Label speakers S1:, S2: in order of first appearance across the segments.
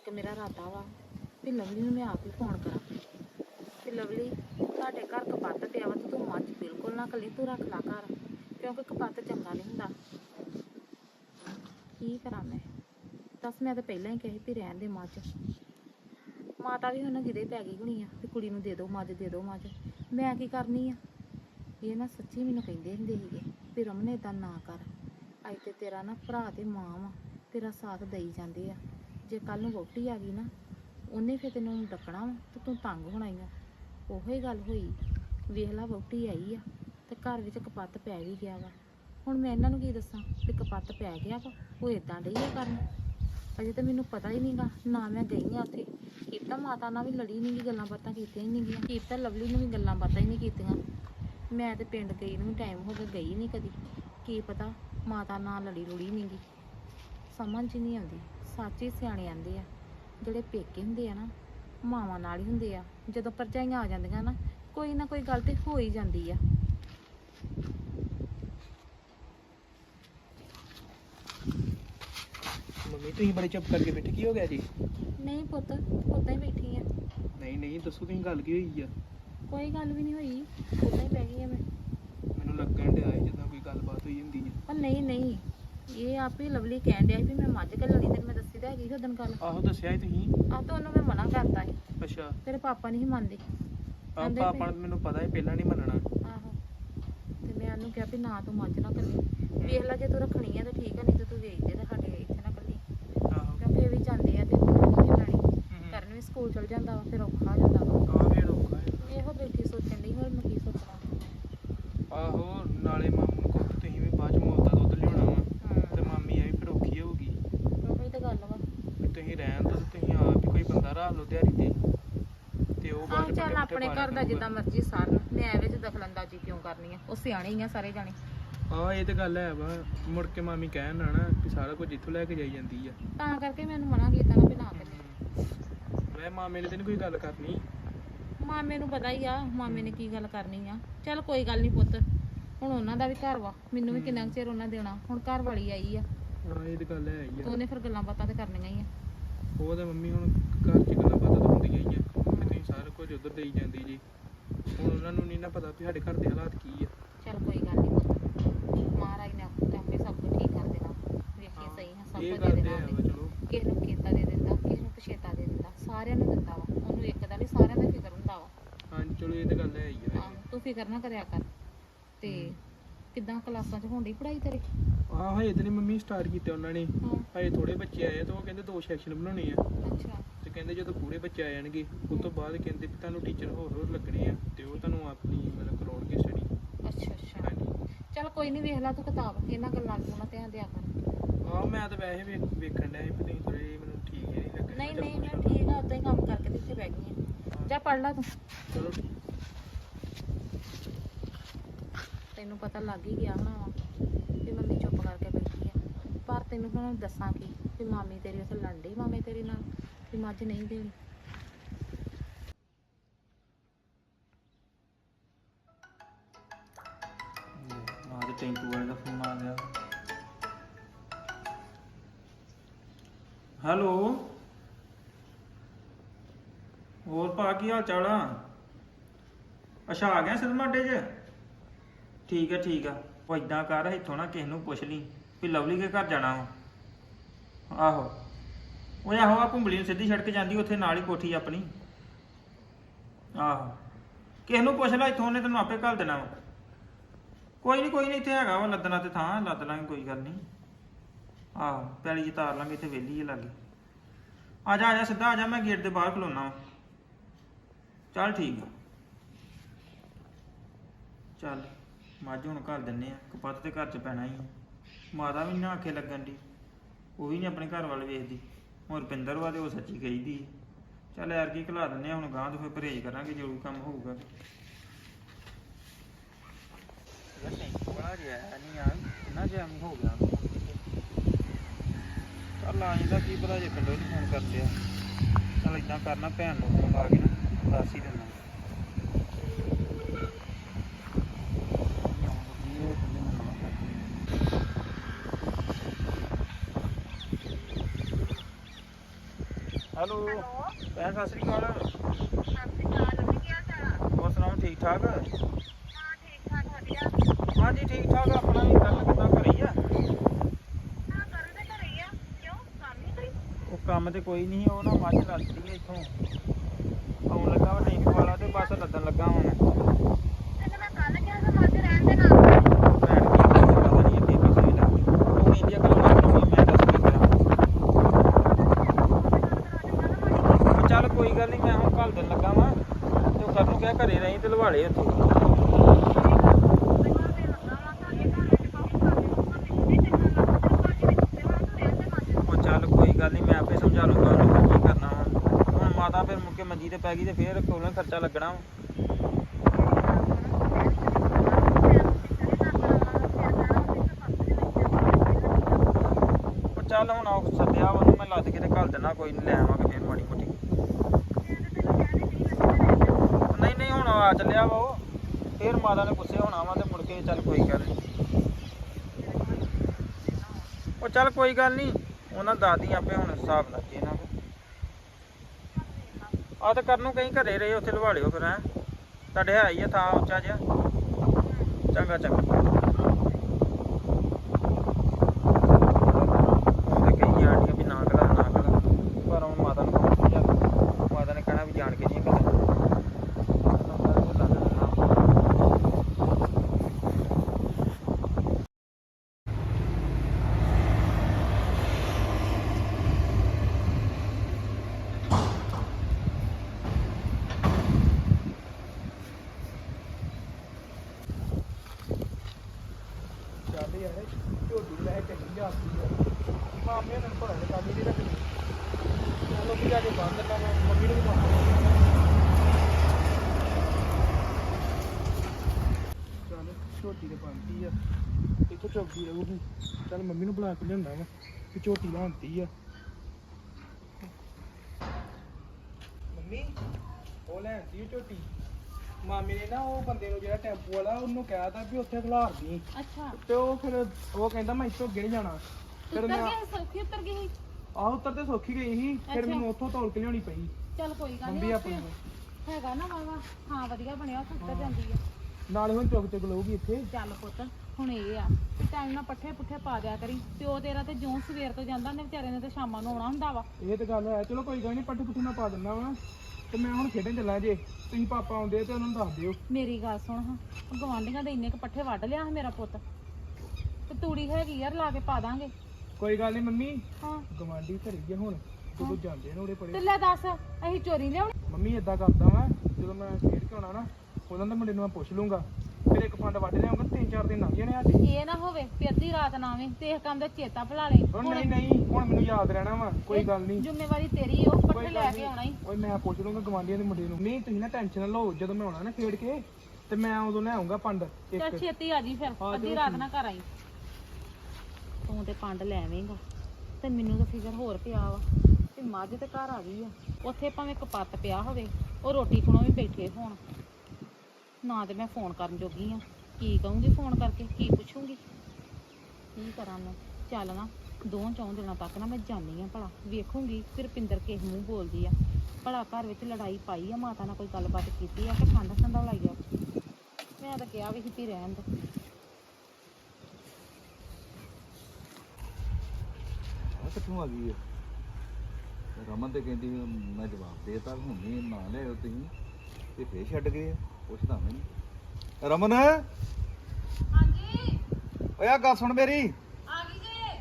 S1: ਇੱਕ ਮੇਰਾ ਇਰਾਦਾ ਵਾ ਵੀ ਲਵਲੀ ਨੂੰ ਮੈਂ ਆਪ ਹੀ ਫੋਨ ਕਰਾਂ ਕਿ ਲਵਲੀ ਤੁਹਾਡੇ ਘਰ ਕਪੱਤ ਪਿਆ ਵਾ ਤੇ ਤੂੰ ਮੱਝ ਬਿਲਕੁਲ ਨਾ ਕੱਲੀ ਤੂੰ ਰੱਖ ਲਾ ਘਰ, ਕਿਉਂਕਿ ਕਪੱਤ ਚੰਗਾ ਨਹੀਂ ਹੁੰਦਾ। ਕੀ ਕਰਾਂ ਮੈਂ ਦੱਸ, ਮੈਂ ਤਾਂ ਪਹਿਲਾਂ ਹੀ ਕਹੀ ਵੀ ਰਹਿਣ ਦੇ ਮੱਝ। ਮਾਤਾ ਵੀ ਹੁਣ ਗਿਰੇ ਪੈ ਗਈ ਹੋਣੀ ਆ ਵੀ ਕੁੜੀ ਨੂੰ ਦੇ ਦਿਓ ਮੱਝ, ਦੇ ਦਿਓ ਮੱਝ। ਮੈਂ ਕੀ ਕਰਨੀ ਆ? ਇਹ ਨਾ ਸੱਚੀ ਮੈਨੂੰ ਕਹਿੰਦੇ ਹੁੰਦੇ ਸੀਗੇ ਵੀ ਰਮਨ ਏਦਾਂ ਨਾ ਕਰ, ਅੱਜ ਤੇ ਤੇਰਾ ਨਾ ਭਰਾ ਤੇ ਮਾਂ ਵਾ ਤੇਰਾ ਸਾਥ ਦੇਈ ਜਾਂਦੇ ਆ, ਜੇ ਕੱਲ ਨੂੰ ਵਹੁਟੀ ਆ ਗਈ ਨਾ ਉਹਨੇ ਫਿਰ ਤੈਨੂੰ ਡੱਕਣਾ ਵਾ ਤੇ ਤੂੰ ਤੰਗ ਹੋਣਾ ਹੀ ਆ। ਉਹੋ ਹੀ ਗੱਲ ਹੋਈ, ਵੇਖ ਲਾ ਵਹੁਟੀ ਆਈ ਆ ਤੇ ਘਰ ਵਿੱਚ ਕਪੱਤ ਪੈ ਵੀ ਗਿਆ ਵਾ। ਹੁਣ ਮੈਂ ਇਹਨਾਂ ਨੂੰ ਕੀ ਦੱਸਾਂ ਵੀ ਕਪੱਤ ਪੈ ਗਿਆ ਵਾ, ਉਹ ਏਦਾਂ ਡਈ ਆ ਕਰਨ। ਅਜੇ ਤਾਂ ਮੈਨੂੰ ਪਤਾ ਹੀ ਨਹੀਂਗਾ, ਨਾ ਮੈਂ ਗਈ ਆ ਉੱਥੇ। ਕੀਤਾ ਮਾਤਾ ਨਾਲ ਵੀ ਲੜੀ ਨਹੀਂ ਗੀ, ਗੱਲਾਂ ਬਾਤਾਂ ਕੀਤੀਆਂ ਹੀ ਨਹੀਂ ਗੀਆਂ। ਕੀਤਾ ਲਵਲੀ ਨੂੰ ਵੀ ਗੱਲਾਂ ਬਾਤਾਂ ਹੀ ਨਹੀਂ ਕੀਤੀਆਂ। ਮੈਂ ਤੇ ਪਿੰਡ ਗਈ ਨੂੰ ਵੀ ਟਾਈਮ ਹੋ ਗਿਆ, ਗਈ ਨਹੀਂ ਕਦੀ। ਕੀ ਪਤਾ ਮਾਤਾ ਨਾਲ ਲੜੀ ਲੁੜੀ ਨਹੀਂ ਗੀ, ਸਮਝ ਹੀ ਨਹੀਂ ਆਉਂਦੀ। ਸੱਚ ਹੀ ਸਿਆਣੇ ਆਂਦੇ ਆ ਜਿਹੜੇ ਪੇਕੇ ਹੁੰਦੇ ਆ ਨਾ ਮਾਵਾਂ ਨਾਲ ਹੀ ਹੁੰਦੇ ਆ। ਜਦੋਂ ਭਰਜਾਈਆਂ ਆ ਜਾਂਦੀਆਂ ਨਾ ਕੋਈ ਨਾ ਕੋਈ ਗੱਲ ਤੇ ਹੋ ਹੀ ਜਾਂਦੀ ਆ।
S2: ਮੰਮੀ ਤੁਸੀਂ ਬੜੇ ਚੁੱਪ ਕਰਕੇ ਬੈਠੇ, ਕੀ ਹੋ ਗਿਆ ਜੀ?
S1: ਨਹੀਂ ਪੁੱਤ, ਉੱਦਾਂ ਹੀ ਬੈਠੀ ਆ।
S2: ਨਹੀਂ ਨਹੀਂ ਦੱਸੋ ਤੁਸੀਂ ਗੱਲ ਕੀ ਹੋਈ ਆ?
S1: ਕੋਈ ਗੱਲ ਵੀ ਨਹੀਂ ਹੋਈ, ਉੱਦਾਂ ਹੀ ਬਹਿ ਗਈ ਆ ਮੈਂ।
S2: ਮੈਨੂੰ ਲੱਗਣ ਡਿਆ ਜਿੱਦਾਂ ਕੋਈ ਗੱਲਬਾਤ ਹੋਈ ਹੁੰਦੀ ਆ।
S1: ਪਰ ਨਹੀਂ ਨਹੀਂ, ਇਹ ਆਪ ਹੀ ਲਵਲੀ ਕਹਿਣ ਡਿਆ ਸੀ ਵੀ ਮੈਂ ਮੱਝ ਘੱਲਣੀ, ਤੇ ਮੈਂ ਦੱਸੀ ਤਾਂ ਹੈਗੀ ਉਦੋਂ ਗੱਲ।
S2: ਆਹੋ ਦੱਸਿਆ ਸੀ ਤੁਸੀਂ।
S1: ਆਹ ਤਾਂ ਉਹਨੂੰ ਮੈਂ ਮਨਾ ਕਰਤਾ ਸੀ,
S2: ਅੱਛਾ।
S1: ਤੇਰੇ ਪਾਪਾ ਨਹੀਂ ਸੀ ਮੰਨਦੇ।
S2: ਆਹ ਪਾਪਾ ਨੂੰ ਮੈਨੂੰ ਪਤਾ ਹੈ ਪਹਿਲਾਂ ਨਹੀਂ ਮੰਨਣਾ।
S1: ਆਹੋ, ਤੇ ਮੈਂ ਉਹਨੂੰ ਕਿਹਾ ਵੀ ਨਾ ਤੂੰ ਮੱਝ ਨਾ ਕੱਲੀ, ਵੇਖ ਲੈ ਜੇ ਤੂੰ ਰੱਖਣੀ ਆ ਤਾਂ ਠੀਕ ਆ, ਨਹੀਂ ਤੇ ਤੂੰ ਵੇਚ ਦੇ ਤੇ ਸਾਡੇ ਇੱਥੇ ਨਾ ਕੱਲੀ।
S2: ਆਹੋ
S1: ਕਿਉਂਕਿ ਇਹ ਵੀ ਜਾਂਦੇ ਆ ਤੇ ਨਹੀਂ ਲੈਣੀ, ਕਰਨ ਵੀ ਸਕੂਲ ਚਲ ਜਾਂਦਾ ਵਾ, ਫਿਰ ਔਖਾ ਹੋ ਜਾਂਦਾ ਵਾ।
S2: ਆਹ ਫੇਰ ਔਖਾ ਹੈ।
S1: ਇਹੋ ਬੈਠੀ ਸੋਚਣ ਡਈ, ਹੋਰ ਮੈਂ ਕੀ ਸੋਚਣਾ।
S2: ਆਹੋ ਨਾਲੇ ਮਾਮੂ ਨੂੰ ਕਹੋ ਤੁਸੀਂ ਵੀ ਬਾਅਦ ਚ ਮੌਤ ਦਾ ਦੁੱਧ ਲਿਆਉਣਾ ਵਾ ਤੇ ਮਾਮੀ ਐ ਵੀ ਫਿਰ ਔਖੀ ਹੋਊਗੀ।
S1: ਉਹੀ ਤਾਂ ਗੱਲ ਵਾ।
S2: ਵੀ ਤੁਸੀਂ ਰਹਿਣ ਦੋ, ਤੁਸੀਂ ਆਪ ਹੀ ਕੋਈ ਬੰਦਾ ਰੱਖ ਲਓ ਦਿਹਾੜੀ ਤੇ ਉਹ
S1: ਆਹ
S2: ਬਾਅਦ ਚ
S1: ਚੱਲ ਆਪਣੇ ਘਰ ਦਾ ਜਿੱਦਾਂ ਮਰਜ਼ੀ ਸਾਰਨ, ਮੈਂ ਐਵੇਂ ਚ ਦਖਲਅੰਦਾਜ਼ੀ ਕਿਉਂ ਕਰਨੀ ਆ? ਉਹ ਸਿਆਣੇ ਹੀ ਆ ਸਾਰੇ ਜਾਣੇ।
S2: ਆਹ ਇਹ ਤੇ ਗੱਲ ਹੈ ਵਾ, ਮੁੜ ਕੇ ਮਾਮੀ ਕਹਿਣ ਨਾ ਨਾ ਕਿ ਸਾਰਾ ਕੁਝ ਇੱਥੋਂ ਲੈ ਕੇ ਜਾਈ ਜਾਂਦੀ ਆ।
S1: ਤਾਂ ਕਰਕੇ ਮੈਨੂੰ ਮਨਾ ਕੀਤਾ ਨਾ ਵੀ ਨਾ ਕਰੇ।
S2: ਵੈ ਮਾਮੇ ਨੇ ਤੇ ਨੀ ਕੋਈ ਗੱਲ ਕਰਨੀ।
S1: ਮਾਮੇ ਨੂੰ ਪਤਾ ਹੀ ਆ ਮਾਮੇ ਨੇ ਕੀ ਗੱਲ ਕਰਨੀ ਆ। ਚੱਲ ਕੋਈ ਗੱਲ ਨਹੀਂ ਪੁੱਤ, ਹੁਣ ਉਹਨਾਂ ਦਾ ਵੀ ਘਰ ਵਾ, ਮੈਨੂੰ ਵੀ ਕਿੰਨਾ ਕੁ ਚਿਰ ਉਹਨਾਂ ਦੇਣਾ। ਹੁਣ ਘਰ ਵਾਲੀ ਆਈ ਆ,
S2: ਹਾਂ ਇਹ ਤੇ ਗੱਲ ਹੈ ਹੀ ਆ।
S1: ਉਹਨੇ ਫਿਰ ਗੱਲਾਂ ਬਾਤਾਂ ਤੇ ਕਰਨੀਆਂ ਹੀ ਆ।
S2: ਉਹ ਤਾਂ ਮੰਮੀ ਹੁਣ ਘਰ 'ਚ ਗੱਲਾਂ ਬਾਤਾਂ ਤਾਂ ਹੁੰਦੀਆਂ ਹੀ ਆ ਤੇ ਤੁਸੀਂ ਸਾਰਾ ਕੁਝ ਉਧਰ ਦੇਈ ਜਾਂਦੀ ਜੀ। ਹੁਣ ਉਹਨਾਂ ਨੂੰ ਨਹੀਂ ਨਾ ਪਤਾ ਵੀ ਸਾਡੇ ਘਰ ਦੇ ਹਾਲਾਤ ਕੀ ਆ।
S1: ਚੱਲ ਕੋਈ ਗੱਲ ਨਹੀਂ ਪੁੱਤ, ਮਹਾਰਾਜ ਨੇ ਆਪੇ ਸਭ ਕੁਝ ਠੀਕ ਕਰ ਦੇਣਾ। ਵੇਖੀ ਸਹੀ ਹਾਂ, ਸਭ
S2: ਇਹ
S1: ਕੁਝ
S2: ਗੱਲ
S1: ਦੇ
S2: ਤੇ
S1: ਦੇਣਾ
S2: ਹੈ ਵਾ।
S1: ਉਹਨੇ।
S2: ਚਲੋ
S1: ਕਿਸੇ ਨੂੰ ਕੀਤਾ ਦੇ ਦਿੰਦਾ, ਕਿਸੇ ਨੂੰ ਪਛੇਤਾ ਦੇ ਦਿੰਦਾ, ਸਾਰਿਆਂ ਨੂੰ ਦਿੰਦਾ ਵਾ। ਉਹਨੂੰ ਇੱਕ ਦਾ ਨਹੀਂ, ਸਾਰਿਆਂ ਦਾ ਫਿਕਰ ਹੁੰਦਾ ਵਾ।
S2: ਹਾਂਜੀ ਚਲੋ ਇਹ ਤਾਂ ਗੱਲ ਹੈ ਹੀ ਆ।
S1: ਹਾਂ, ਤੂੰ ਫਿਕਰ ਨਾ ਕਰਿਆ ਕਰ। ਤੇ ਕਿੱਦਾਂ ਕਲਾਸਾਂ 'ਚ ਹੋਣ ਡਈ ਪੜ੍ਹਾਈ ਤੇਰੀ?
S2: ਆਹ ਹਜੇ ਤਾਂ ਨਹੀਂ ਮੰਮੀ ਸਟਾਰਟ ਕੀਤਾ ਉਹਨਾਂ ਨੇ,
S1: ਹਾਂ,
S2: ਹਜੇ ਥੋੜੇ ਬੱਚੇ ਆਏ ਆ ਤਾਂ ਉਹ ਕਹਿੰਦੇ 2 ਸੈਕਸ਼ਨ ਬਣਾਉਣੇ ਆ
S1: ਅੱਛਾ
S2: ਤੇ ਕਹਿੰਦੇ ਜਦੋਂ ਪੂਰੇ ਬੱਚੇ ਆ ਜਾਣਗੇ ਉਸ ਤੋਂ ਬਾਅਦ ਕਹਿੰਦੇ ਵੀ ਤੁਹਾਨੂੰ ਟੀਚਰ ਹੋਰ ਲੱਗਣੇ ਆ ਤੇ ਉਹ ਤੁਹਾਨੂੰ ਆਪਣੀ ਮਤਲਬ ਕਰਾਉਣਗੇ ਸਟੱਡੀ।
S1: ਅੱਛਾ ਅੱਛਾ।
S2: ਹਾਂਜੀ
S1: ਚੱਲ ਕੋਈ ਨਹੀਂ, ਵੇਖ ਲਾ ਤੂੰ ਕਿਤਾਬ, ਇਹਨਾਂ ਗੱਲਾਂ ਨੂੰ ਨਾ ਧਿਆਨ ਦਿਆ ਕਰ।
S2: ਆਹ ਮੈਂ ਤਾਂ ਵੈਸੇ ਵੇਖਣ ਡਿਆ ਸੀ ਵੀ ਤੁਸੀਂ ਥੋੜੇ ਮੈਨੂੰ ਠੀਕ ਨਹੀਂ ਲੱਗਣ।
S1: ਨਹੀਂ ਨਹੀਂ, ਮੈਂ ਠੀਕ ਆ, ਉਦਾਂ ਹੀ ਕੰਮ ਕਰਕੇ ਤੇ ਇੱਥੇ ਬਹਿ ਗਈ ਆ। ਜਾ ਪੜ੍ਹ ਲਾ ਤੂੰ।
S2: ਚਲੋ
S1: ਤੈਨੂੰ ਪਤਾ ਲੱਗ ਹੀ ਗਿਆ ਹੋਣਾ ਵਾ ਵੀ ਮੰਮੀ ਚੁੱਪ ਕਰਕੇ ਬੈਠੀ ਆ। ਪਰ ਤੈਨੂੰ ਹੁਣ ਦੱਸਾਂ ਕੀ ਵੀ ਮਾਮੀ ਤੇਰੀ ਉੱਥੇ ਲੜ ਡਈ ਮਾਮੇ ਤੇਰੇ ਨਾਲ ਵੀ ਮੱਝ ਨਹੀਂ ਦੇਣੀ।
S3: ਆਹ ਤੇ ਟੈਂਪੂ ਵਾਲੇ ਦਾ ਫੋਨ ਆ ਗਿਆ। ਹੈਲੋ, ਹੋਰ ਭਾ ਕੀ ਹਾਲ ਚਾਲ ਆ? ਅੱਛਾ ਆ ਗਿਆ ਸਿਧਮਾਡੇ 'ਚ? ਠੀਕ ਆ ਠੀਕ ਆ। ਉਹ ਏਦਾਂ ਕਰ, ਇੱਥੋਂ ਨਾ ਕਿਸੇ ਨੂੰ ਪੁੱਛ ਲਈ ਵੀ ਲਵਲੀ ਕੇ ਘਰ ਜਾਣਾ ਵਾ। ਆਹੋ ਉਹ ਆਹੋ ਆ ਭੁੰਬਲੀ ਨੂੰ ਸਿੱਧੀ ਸੜਕ ਜਾਂਦੀ, ਉੱਥੇ ਨਾਲ ਹੀ ਕੋਠੀ ਆਪਣੀ। ਆਹੋ ਕਿਸੇ ਨੂੰ ਪੁੱਛ ਲੈ ਇੱਥੋਂ, ਉਹਨੇ ਤੈਨੂੰ ਆਪੇ ਘੱਲ ਦੇਣਾ ਵਾ। ਕੋਈ ਨਹੀਂ ਇੱਥੇ ਹੈਗਾ ਵਾ ਲੱਦਣਾ ਤੇ ਥਾਂ, ਲੱਦ ਲਾਂਗੇ ਕੋਈ ਗੱਲ ਨਹੀਂ। ਆਹੋ ਪੈਲੀ 'ਚ ਤਾਰ ਲਾਂਗੇ, ਇੱਥੇ ਵਿਹਲੀ ਹੈ ਲਾਗੇ। ਆ ਜਾ ਸਿੱਧਾ ਆ ਜਾ, ਮੈਂ ਗੇਟ ਦੇ ਬਾਹਰ ਖਲੋਣਾ ਵਾ। ਚੱਲ ਠੀਕ ਆ। ਚੱਲ ਮੱਝ ਹੁਣ ਘਰ ਦਿੰਨੇ ਆ, ਕਪੱਤ ਤੇ ਘਰ 'ਚ ਪੈਣਾ ਹੀ ਆ। ਮਾਤਾ ਵੀ ਨਾ ਆਖੇ ਲੱਗਣ ਦੀ, ਉਹ ਵੀ ਨਹੀਂ ਆਪਣੇ ਘਰ ਵੱਲ ਵੇਖਦੀ। ਹੁਣ ਰੁਪਿੰਦਰ ਵਾ ਤੇ ਉਹ ਸੱਚੀ ਕਹੀਦੀ। ਚੱਲ ਯਾਰ ਕੀ ਘਲਾ ਦਿੰਨੇ ਆ, ਹੁਣ ਗਾਂਹ ਤੋਂ ਫਿਰ ਪਰਹੇਜ਼ ਕਰਾਂਗੇ ਜੋ ਵੀ ਕੰਮ ਹੋਊਗਾ। ਟੈਂਪੂ ਵਾਲਾ ਜਿਹਾ ਨਹੀਂ ਯਾਰ, ਕਿੰਨਾ ਜੈਮ ਹੋ ਗਿਆ। ਚੱਲ ਆ ਜਾਂਦਾ, ਕੀ ਪਤਾ ਜੇ ਪਿੰਡੋਂ ਨਹੀਂ ਫੋਨ ਕਰਦੇ ਆ। ਚੱਲ ਏਦਾਂ ਕਰਨਾ, ਭੈਣ ਨੂੰ ਫੋਨ ਲਾ ਕੇ ਨਾ ਦੱਸ ਹੀ ਦਿੰਦਾ। ਹੈਲੋ ਭੈਣ ਸਤਿ ਸ੍ਰੀ ਅਕਾਲ।
S4: ਸਤਿ ਸ਼੍ਰੀ ਅਕਾਲ ਜੀ, ਕੀ ਹਾਲ ਚਾਲ ਆ?
S3: ਹੋਰ ਸੁਣਾਓ ਠੀਕ ਠਾਕ?
S4: ਹਾਂ ਠੀਕ ਠਾਕ ਵਧੀਆ।
S3: ਹਾਂਜੀ ਠੀਕ ਠਾਕ ਆਪਣਾ ਵੀ ਗੱਲ ਕਿੱਦਾਂ ਘਰੇ ਹੀ ਆ?
S4: ਹਾਂ ਕਰਨ ਦੇ ਘਰੇ ਹੀ ਆ। ਕਿਉਂ ਕੰਮ ਨਹੀਂ ਕੋਈ?
S3: ਉਹ ਕੰਮ ਤੇ ਕੋਈ ਨਹੀਂ ਉਹ ਨਾ ਮੱਝ ਲੱਦਦੀ ਇੱਥੋਂ ਆਉਣ ਲੱਗਾ ਵਾ ਟੈਂਕ ਵਾਲਾ ਤੇ ਬਸ ਲੱਦਣ ਲੱਗਾ ਵਾਂ ਮੈਂ।
S4: ਤੈਨੂੰ ਮੈਂ ਕੱਲ ਕਿਹਾ ਸੀ ਮੱਝ ਰਹਿਣ ਦੇ ਨਾਲ।
S3: ਭੈਣ ਕੀ ਪਤਾ ਨਹੀਂ ਅੱਗੇ ਕਿਸੇ ਦਾ ਉਹ ਕਹਿੰਦੀ ਆ ਗੱਲਾਂ ਕਰਾਉਣੀ ਮੈਂ ਦੱਸ ਕੀ ਕਰਾਂ। ਉਹ ਚੱਲ ਕੋਈ ਗੱਲ ਨਹੀਂ ਮੈਂ ਹੁਣ ਘੱਲ ਦੇਣ ਲੱਗਾ ਵਾਂ ਤੇ ਉਹ ਕਰਨ ਨੂੰ ਕਿਹਾ ਘਰੇ ਰਹੀ ਤੇ ਲਵਾਲੇ ਉੱਥੇ। ਉਹ ਚੱਲ ਕੋਈ ਗੱਲ ਨਹੀਂ ਮੈਂ ਆਪੇ ਸਮਝਾ ਲੂੰਗਾ ਉਹਨੂੰ ਕੀ ਕਰਨਾ ਵਾ। ਹੁਣ ਮਾਤਾ ਫਿਰ ਮੁੜ ਕੇ ਮੰਜੀ ਤੇ ਪੈ ਗਈ ਤੇ ਫਿਰ ਕੋਲੋਂ ਖਰਚਾ ਲੱਗਣਾ ਵਾ। ਉਹ ਚੱਲ ਹੁਣ ਉਹ ਸੱਦਿਆ ਉਹਨੂੰ ਮੈਂ ਲੱਦ ਕੇ ਤੇ ਘੱਲ ਦੇਣਾ ਕੋਈ ਨਹੀਂ ਲੈ ਆਵਾਂਗੇ ਫਿਰ ਮਾੜੀ ਮੋਟੀ। ਨਹੀਂ ਨਹੀਂ ਹੁਣ ਆ ਚੱਲਿਆ ਵਾ ਉਹ ਫਿਰ ਮਾਤਾ ਨੇ ਗੁੱਸੇ ਹੋਣਾ ਵਾ ਤੇ ਮੁੜ ਕੇ ਚੱਲ ਕੋਈ ਗੱਲ ਨਹੀਂ। ਉਹ ਚੱਲ ਕੋਈ ਗੱਲ ਨਹੀਂ ਉਹਨਾਂ ਦਾਦੀ ਆਪੇ ਹੁਣ ਹਿਸਾਬ ਲੱਗ ਜੇ ਇਹਨਾਂ ਕੋਲ। ਆ ਤਾਂ ਕਰਨ ਨੂੰ ਕਹੀਂ ਘਰੇ ਰਹੇ ਉੱਥੇ ਲਵਾਲਿਓ ਫਿਰ ਹੈਂ ਤੁਹਾਡੇ ਹੈ ਹੀ ਆ ਥਾਂ ਉੱਚਾ ਜਿਹਾ। ਚੰਗਾ ਚੰਗਾ ਉਹ ਤਾਂ ਕਹੀ ਜਾਣੀਆਂ ਵੀ ਨਾ ਕਰਾ ਨਾ ਕਰਾ ਪਰ ਹੁਣ ਮਾਤਾ ਨੂੰ ਕਹੂੰ ਸਮਝਾ ਮਾਤਾ ਨੇ ਕਹਿਣਾ ਵੀ ਜਾਣ ਕੇ ਨਹੀਂ ਕਰੇ।
S2: ਚੱਲ ਯਾਰ ਝੋਟੀ ਲੈ ਕੇ ਨਹੀਂ ਜਾਂਦੀ ਆ ਮਾਮੇ ਨੂੰ ਭਰਾ ਦੇ ਕੰਮ ਹੀ ਨਹੀਂ ਰੱਖਣੀ ਚਲੋ ਵੀ ਜਾ ਕੇ ਬੰਦ ਕਰ ਮੰਮੀ ਨੂੰ ਵੀ ਮਾਰ ਚੱਲ ਝੋਟੀ ਤੇ ਬੰਦੀ ਆ ਇੱਥੇ ਚੌਕੀ ਰਹੂਗੀ ਚੱਲ ਮੰਮੀ ਨੂੰ ਬੁਲਾ ਕੇ ਲਿਆਉਂਦਾ ਵਾ ਕਿ ਝੋਟੀ ਲਾਉਂਦੀ ਆ ਮੰਮੀ ਉਹ ਲੈਂਦੀ ਆ ਝੋਟੀ ਮਾਮੇ ਨੇ ਨਾ ਉਹ ਬੰਦੇ ਨੂੰ ਜਿਹੜਾ ਟੈਂਪੂ ਵਾਲਾ ਉਹਨੂੰ ਕਹਿ ਤਾ ਵੀ ਉੱਥੇ ਖਿਲਾਰ ਦੀ
S1: ਅੱਛਾ
S2: ਤੇ ਉਹ ਫਿਰ ਉਹ ਕਹਿੰਦਾ ਮੈਂ ਇੱਥੋਂ ਅੱਗੇ ਨਹੀਂ ਜਾਣਾ ਫਿਰ
S1: ਉੱਤਰ
S2: ਮੈਂ
S1: ਗਏ ਸੌਖੀ ਉੱਤਰ ਗਈ।
S2: ਆਹ ਉੱਤਰ ਤੇ ਸੌਖੀ ਗਈ ਸੀ ਫਿਰ
S1: ਅੱਛਾ।
S2: ਮੈਨੂੰ ਉੱਥੋਂ ਤੋਲ ਕੇ ਲਿਆਉਣੀ ਪਈ
S1: ਚੱਲ ਕੋਈ ਗੱਲ
S2: ਮੰਮੀ
S1: ਨਹੀਂ
S2: ਆਪਣੀ ਨੂੰ।
S1: ਹੈਗਾ ਨਾ ਵਾਵਾ ਹਾਂ ਵਧੀਆ ਬਣਿਆ ਉੱਥੇ ਉੱਤਰ ਜਾਂਦੀ ਆ।
S2: ਨਾਲੇ ਹੁਣ ਚੁੱਕ ਚੁੱਕ ਲਊਗੀ ਇੱਥੇ
S1: ਚੱਲ ਪੁੱਤ ਹੁਣ ਇਹ ਆ ਟਾਈਮ ਨਾਲ ਪੱਠੇ ਪੁੱਠੇ ਪਾ ਦਿਆ ਕਰੀ ਪਿਓ ਤੇਰਾ ਤੇ ਜਿਉਂ ਸਵੇਰ ਤੋਂ ਜਾਂਦਾ ਨੇ ਵਿਚਾਰੇ ਨੇ ਤੇ ਸ਼ਾਮਾਂ ਨੂੰ ਆਉਣਾ ਹੁੰਦਾ ਵਾ।
S2: ਇਹ ਤੇ ਗੱਲ ਹੈ ਚਲੋ ਕੋਈ ਗੱਲ ਨਹੀਂ ਪੱਠੇ ਪੁੱਠੇ ਮੈਂ ਪਾ ਦਿੰਦਾ ਵਾ ਤੇ ਮੈਂ ਹੁਣ ਖੇਡਣ ਚੱਲਾਂ ਜੇ ਤੁਸੀਂ ਪਾਪਾ ਆਉਂਦੇ ਤੇ ਉਹਨਾਂ ਨੂੰ ਦੱਸ ਦਿਓ
S1: ਮੇਰੀ ਗੱਲ ਸੁਣ ਹਾਂ ਗਵਾਂਢੀਆਂ ਦੇ ਇੰਨੇ ਕ ਪੱਠੇ ਵੱਢ ਲਿਆ ਸੀ ਮੇਰਾ ਪੁੱਤ ਤੇ ਤੂੜੀ ਹੈਗੀ ਯਾਰ ਲਾ ਕੇ ਪਾ ਦਾਂਗੇ।
S2: ਕੋਈ ਗੱਲ ਨਹੀਂ ਮੰਮੀ
S1: ਹਾਂ
S2: ਗਵਾਂਢੀ ਘਰੇ ਹੀ ਆ ਹੁਣ ਜਦੋਂ ਜਾਂਦੇ ਨੇ ਉਹਦੇ
S1: ਤੇ
S2: ਪੜੇ
S1: ਲੈ ਦੱਸ ਅਸੀਂ ਚੋਰੀ ਲਿਆਉਣੀ।
S2: ਮੰਮੀ ਏਦਾਂ ਕਰਦਾ ਵਾ ਜਦੋਂ ਮੈਂ ਖੇਡ ਕੇ ਆਉਣਾ ਨਾ ਉਹਨਾਂ ਦੇ ਮੁੰਡੇ ਨੂੰ ਮੈਂ ਪੁੱਛ ਲੂੰਗਾ ਫਿਰ ਇੱਕ ਫੰਡ ਵੱਢ ਲਿਆਉਂਗਾ 3-4 ਦਿਨ ਲੰਘ ਜਾਣੇ ਸਾਡੇ।
S1: ਇਹ ਨਾ ਹੋਵੇ ਵੀ ਅੱਧੀ ਰਾਤ ਨਾ ਆਵੇਂ ਤੇ ਇਸ ਕੰਮ ਦਾ ਚੇਤਾ ਭੁਲਾ ਲੈ।
S2: ਹੁਣ ਨਹੀਂ ਹੁਣ ਮੈਨੂੰ ਯਾਦ ਰਹਿਣਾ ਵਾ ਕੋਈ ਗੱਲ ਨਹੀਂ
S1: ਜ਼ਿੰਮੇਵਾਰੀ ਤੇਰੀ ਉਹ ਪੱਠੇ ਲੈ ਕੇ ਆਉਣਾ ਹੀ।
S2: ਓਏ ਮੈਂ ਪੁੱਛ ਲੂੰਗਾ ਗਵਾਂਢੀਆਂ ਦੇ ਮੁੰਡੇ ਨੂੰ ਨਹੀਂ ਤੁਸੀਂ ਨਾ ਟੈਨਸ਼ਨ ਨਾ ਲਓ ਜਦੋਂ ਮੈਂ ਆਉਣਾ ਨਾ ਖੇਡ ਕੇ ਤੇ ਮੈਂ ਉਦੋਂ ਲੈ ਆਉਂਗਾ ਪੰਡ
S1: ਚੱਲ
S2: ਇੱਕ
S1: ਛੇਤੀ ਆ ਜੀ ਫਿਰ
S2: ਹਾਂ,
S1: ਅੱਧੀ
S2: ਚਲੋ
S1: ਰਾਤ
S2: ਠੀਕ।
S1: ਨਾ ਘਰ ਆਈ। ਤੂੰ ਤੇ ਪੰਡ ਲੈ ਆਵੇਂਗਾ ਤੇ ਮੈਨੂੰ ਤਾਂ ਫਿਕਰ ਹੋਰ ਪਿਆ ਵਾ ਤੇ ਮੱਝ ਤੇ ਘਰ ਆ ਗਈ ਆ ਉੱਥੇ ਭਾਵੇਂ ਕਪੱਤ ਪਿਆ ਹੋਵੇ ਉਹ ਰੋਟੀ ਖਾਣੋਂ ਵੀ ਬੈਠੇ ਹੋਣ ਨਾ ਤੇ ਮੈਂ ਫੋਨ ਕਰਨ ਜੋਗੀ ਆ ਕੀ ਕਹੂੰਗੀ ਫੋਨ ਕਰਕੇ ਕੀ ਪੁੱਛੂੰਗੀ ਕੀ ਕਰਾਂ ਮੈਂ। ਚੱਲ ਨਾ 2-4 ਦਿਨਾਂ ਤੱਕ ਨਾ ਮੈਂ ਜਾਣੀ ਆ ਭਲਾ ਵੇਖੂੰਗੀ ਫਿਰ ਰੁਪਿੰਦਰ ਕਿਸ ਮੂੰਹ ਬੋਲਦੀ ਆ ਭਲਾ ਘਰ ਵਿੱਚ ਲੜਾਈ ਪਾਈ ਆ ਮਾਤਾ ਨਾਲ ਕੋਈ ਗੱਲਬਾਤ ਕੀਤੀ ਆ ਕਿ ਠੰਡ ਠੰਡਾ ਲਾਈ ਆ। ਮੈਂ ਤਾਂ ਕਿਹਾ ਵੀ ਸੀ ਰਹਿਣ ਦੇ।
S5: ਕਿੱਥੋਂ ਆ ਗਈ ਹੈ ਰਮਨ ਤੇ ਕਹਿੰਦੀ ਵੀ ਮੈਂ ਜਵਾਬ ਦੇਤਾ ਹੁਣ ਨਹੀਂ ਨਾ ਲਿਆਓ ਤੁਸੀਂ ਤੇ ਫੇਰ ਛੱਡ ਗਏ ਆ ਪੁੱਛਦਾ ਮੈਨੂੰ ਰਮਨ
S1: ਹਾਂਜੀ
S5: ਓਏ ਆ ਗੱਲ ਸੁਣ ਮੇਰੀ
S1: ਆ ਗਈ ਜੇ।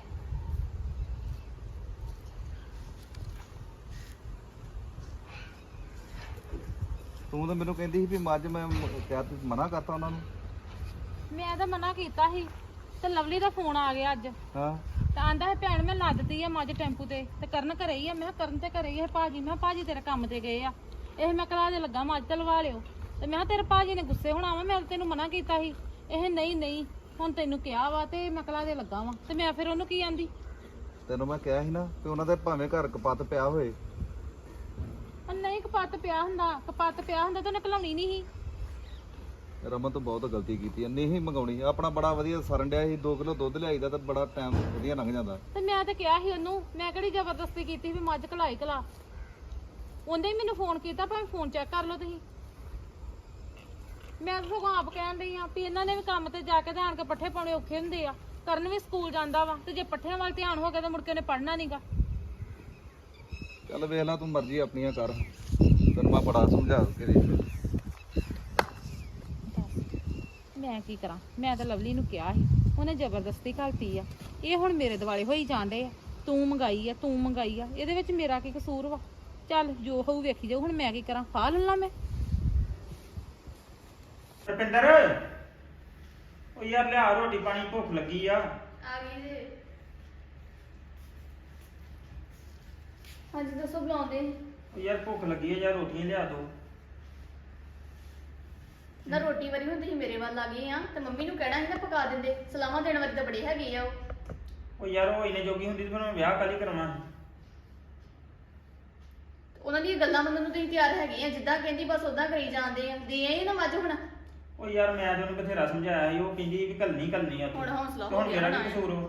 S5: ਤੂੰ ਤਾਂ ਮੈਨੂੰ ਕਹਿੰਦੀ ਸੀ ਵੀ ਮੱਝ ਮੈਂ ਕਿਹਾ ਤੂੰ ਮਨਾ ਕਰਤਾ ਉਹਨਾਂ ਨੂੰ
S1: ਮੈਂ ਤਾਂ ਮਨਾ ਕੀਤਾ ਸੀ ਤੇ ਲਵਲੀ ਦਾ ਫੋਨ ਆ ਗਿਆ ਅੱਜ
S5: ਹਾਂ
S1: ਤਾਂ ਆਂਦਾ ਹੈ ਭੈਣ ਮੈਂ ਲੱਦਤੀ ਆ ਮੱਝ ਟੈਂਪੂ ਤੇ ਕਰਨ ਘਰੇ ਹੀ ਆ। ਮੈਂ ਕਿਹਾ ਕਰਨ ਤੇ ਘਰੇ ਹੀ ਆ ਭਾਜੀ। ਮੈਂ ਕਿਹਾ ਭਾਜੀ ਤੇਰੇ ਕੰਮ ਤੇ ਗਏ ਆ ਇਹ ਮੈਂ ਕਲਾ ਦੇ ਲੱਗਾ ਮੱਝ ਤੇ ਲਵਾ ਲਿਓ ਤੇ ਮੈਂ ਕਿਹਾ ਤੇਰੇ ਭਾਜੀ ਨੇ ਗੁੱਸੇ ਹੋਣਾ ਵਾ ਮੈਂ ਤੈਨੂੰ ਮਨਾ ਕੀਤਾ ਸੀ ਇਹ ਨਹੀਂ ਹੁਣ ਤੈਨੂੰ ਕਿਹਾ ਵਾ ਤੇ ਮੈਂ ਕਲਾ ਦੇ ਲੱਗਾ ਵਾ ਤੇ ਮੈਂ ਫਿਰ ਉਹਨੂੰ ਕੀ ਆਂਦੀ
S5: ਤੈਨੂੰ ਮੈਂ ਕਿਹਾ ਸੀ ਨਾ ਕਿ ਉਹਨਾਂ ਦੇ ਭਾਵੇਂ ਘਰ ਕਪੱਤ ਪਿਆ ਹੋਏ
S1: ਨਹੀਂ ਕਪੱਤ ਪਿਆ ਹੁੰਦਾ ਤਾਂ ਉਹਨੇ ਘਲਾਉਣੀ ਨਹੀਂ ਸੀ।
S5: ਰਮਨ ਤੋਂ ਬਹੁਤ ਗਲਤੀ ਕੀਤੀ ਐ ਨਹੀਂ ਮੰਗਾਉਣੀ ਆਪਣਾ ਬੜਾ ਵਧੀਆ ਸਰਨ ਡਿਆ ਸੀ 2 ਕਿਲੋ ਦੁੱਧ ਲਿਆਈਦਾ ਤਾਂ ਬੜਾ ਟਾਈਮ ਵਧੀਆ ਲੰਘ ਜਾਂਦਾ
S1: ਤੇ ਮੈਂ ਤਾਂ ਕਿਹਾ ਸੀ ਉਹਨੂੰ ਮੈਂ ਕਿਹੜੀ ਜ਼ਬਰਦਸਤੀ ਕੀਤੀ ਵੀ ਮੱਝ ਘਲਾ ਉਹਨੇ ਹੀ ਮੈਨੂੰ ਫੋਨ ਕੀਤਾ, ਭਾਵੇਂ ਫੋਨ ਚੈੱਕ ਕਰ ਲਓ ਤੁਸੀਂ। ਮੈਂ ਤਾਂ ਸਗੋਂ ਆਪ ਕਹਿਣ ਡਈ ਆ ਵੀ ਇਹਨਾਂ ਨੇ ਵੀ ਕੰਮ ਤੇ ਜਾ ਕੇ ਤੇ ਆਣ ਕੇ ਪੱਠੇ ਪਾਉਣੇ ਔਖੇ ਹੁੰਦੇ ਆ। ਕਰਨ ਵੀ ਸਕੂਲ ਜਾਂਦਾ ਵਾ ਤੇ ਜੇ ਪੱਠਿਆਂ ਵੱਲ ਧਿਆਨ ਹੋ ਗਿਆ ਤਾਂ ਮੁੜ ਕੇ ਉਹਨੇ ਪੜ੍ਹਨਾ ਨਹੀਂਗਾ।
S5: ਚੱਲ ਵੇਖ ਲਾ, ਤੂੰ ਮਰਜ਼ੀ ਆਪਣੀਆਂ ਕਰ, ਤੈਨੂੰ ਮੈਂ ਬੜਾ ਸਮਝਾ ਕੇ ਦੇਖ ਲਿਆ।
S1: ਮੈਂ ਕੀ ਕਰਾਂ, ਮੈਂ ਤਾਂ ਲਵਲੀ ਨੂੰ ਕਿਹਾ ਸੀ, ਉਹਨੇ ਜ਼ਬਰਦਸਤੀ ਘਲਤੀ ਆ। ਇਹ ਹੁਣ ਮੇਰੇ ਦਿਵਾਲੇ ਹੋਈ ਜਾਂਦੇ ਆ, ਤੂੰ ਮੰਗਾਈ ਆ ਤੂੰ ਮੰਗਾਈ ਆ, ਇਹਦੇ ਵਿੱਚ ਮੇਰਾ ਕੀ ਕਸੂਰ ਵਾ? ਚੱਲ ਜੋ ਹੋਊ ਵੇਖੀ ਜਾਊ, ਹੁਣ ਮੈਂ ਕੀ ਕਰਾਂ, ਫਾਹ ਲੈ ਲਾਂ ਮੈਂ।
S3: ਰੁਪਿੰਦਰ, ਉਹ ਯਾਰ ਲਿਆ ਰੋਟੀ ਪਾਣੀ, ਭੁੱਖ ਲੱਗੀ ਆ।
S6: ਆ ਗਈ ਜੀ। ਹਾਂਜੀ ਦੱਸੋ, ਬੁਲਾਉਂਦੇ
S3: ਉਹ ਯਾਰ ਭੁੱਖ ਲੱਗੀ ਆ ਯਾਰ, ਰੋਟੀਆਂ ਲਿਆ ਦੋ।
S6: ਨਾ ਰੋਟੀ ਵਾਰੀ ਹੁਣ ਤੁਸੀਂ ਮੇਰੇ ਵੱਲ ਆ ਗਏ ਆ ਤੇ ਮੰਮੀ ਨੂੰ ਕਹਿਣਾ ਸੀ ਨਾ ਪਕਾ ਦਿੰਦੇ। ਸਲਾਮਾਂ ਦੇਣ ਵਾਲੀ ਤਾਂ ਬੜੇ ਹੈਗੇ ਆ ਉਹ।
S3: ਉਹ ਯਾਰ ਉਹ ਇੰਨੇ ਜੋਗੀ ਹੁੰਦੀ ਤੇ ਫਿਰ ਮੈਂ ਵਿਆਹ ਕਾਹਲੀ ਕਰਾਉਣਾ ਸੀ।
S6: ਉਹਨਾਂ ਦੀਆਂ ਗੱਲਾਂ ਮੰਨਣ ਨੂੰ ਤੁਸੀਂ ਤਿਆਰ ਹੈਗੇ ਆ, ਜਿੱਦਾਂ ਕਹਿੰਦੀ ਬਸ ਉਦਾਂ ਕਰੀ ਜਾਂਦੇ ਆ। ਦੇ ਆਈ ਨਾ ਮੱਝ ਹੁਣ।
S3: ਉਹ ਯਾਰ ਮੈਂ ਤਾਂ ਉਹਨੂੰ ਬਥੇਰਾ ਸਮਝਾਇਆ ਸੀ, ਉਹ ਕਹਿੰਦੀ ਵੀ ਕੱਲਣੀ ਆ ਤੂੰ।
S6: ਹੁਣ ਹੌਸਲਾ
S3: ਤੇ
S6: ਹੋ
S3: ਹੁਣ
S6: ਗਿਆ
S3: ਮੇਰਾ
S6: ਨਾ।
S3: ਕੀ ਕਸੂਰ ਵਾ?